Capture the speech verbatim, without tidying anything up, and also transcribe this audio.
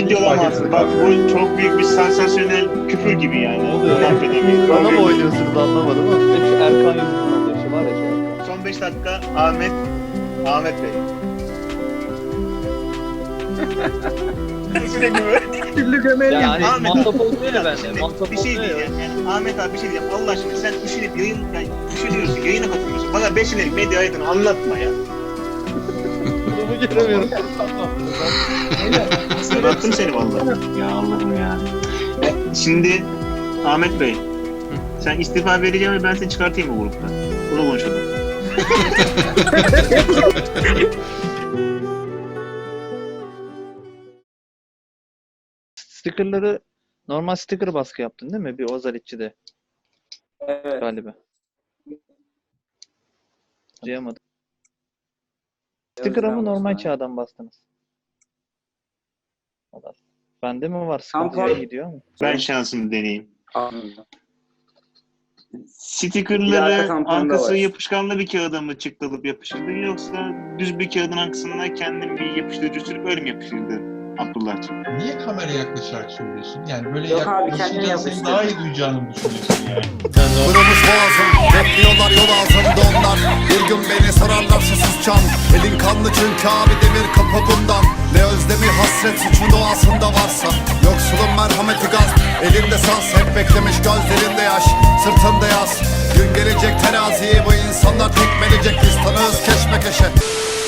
ciddi olamazsın. Bak bu çok büyük bir sansasyonel küfür gibi yani. Ne oluyor? Bunu affedemeyiz. Bana mı oynuyorsunuz anlamadım ama. Hep şu Erkan yüzünden oluyor. Şu var ya şu Erkan. Son beş dakika Ahmet Ahmet Bey. Türlü gömeli. Yani Ahmet mantap abi, oluyor ya bende. şimdi Mantap bir şey oluyor ya. diyeceğim yani Ahmet abi bir şey diyeceğim Allah aşkına sen üşenip yayın yani üşeniyorsun yayına katılıyorsun bana beş ileri medya hayatını anlatma ya. Durumu göremiyorum. Sırlattım seni vallahi. Ya Allah'ım ya. E, şimdi Ahmet Bey sen istifa vereceğim ve ben seni çıkartayım mı gruptan? Bunu konuşalım. Stickerları normal sticker baskı yaptın değil mi? Bir Ozalitçi'de Evet. galiba. Duyamadım. Sticker'a mı normal çağdan bastınız? Allah. Bende mi var? Sıkıntı Tampon- yayın gidiyor mu? Ben şansımı deneyeyim. Anladım. Bir Stickerları arka tamponda arkası var. yapışkanlı bir kağıda mı çıktılıp yapıştırdı yoksa düz bir kağıdın arkasına kendim bir yapıştırıcı sürüp öyle mi yapıştırdı Abdullah'cığım? Niye kameraya yaklaşarak söylüyorsun? Yani böyle Yok abi, kendine yaklaşınca seni yapıştır. daha iyi duyacağını mı düşünüyorsun yani? Kırılmış boğazım, bekliyorlar yol ağzımda onlar. Bir gün beni sorarlar susuzcan. Elin kanlı çünkü abi demir kapı bundan. Ne özlemi hasret suçun doğasında varsa. Yoksulun merhameti gaz, elinde saz. Hep beklemiş gözlerinde yaş, sırtında yaz. Gün gelecek teraziyi bu insanlar tekmeleyecek. Biz tanığız keşmekeşe.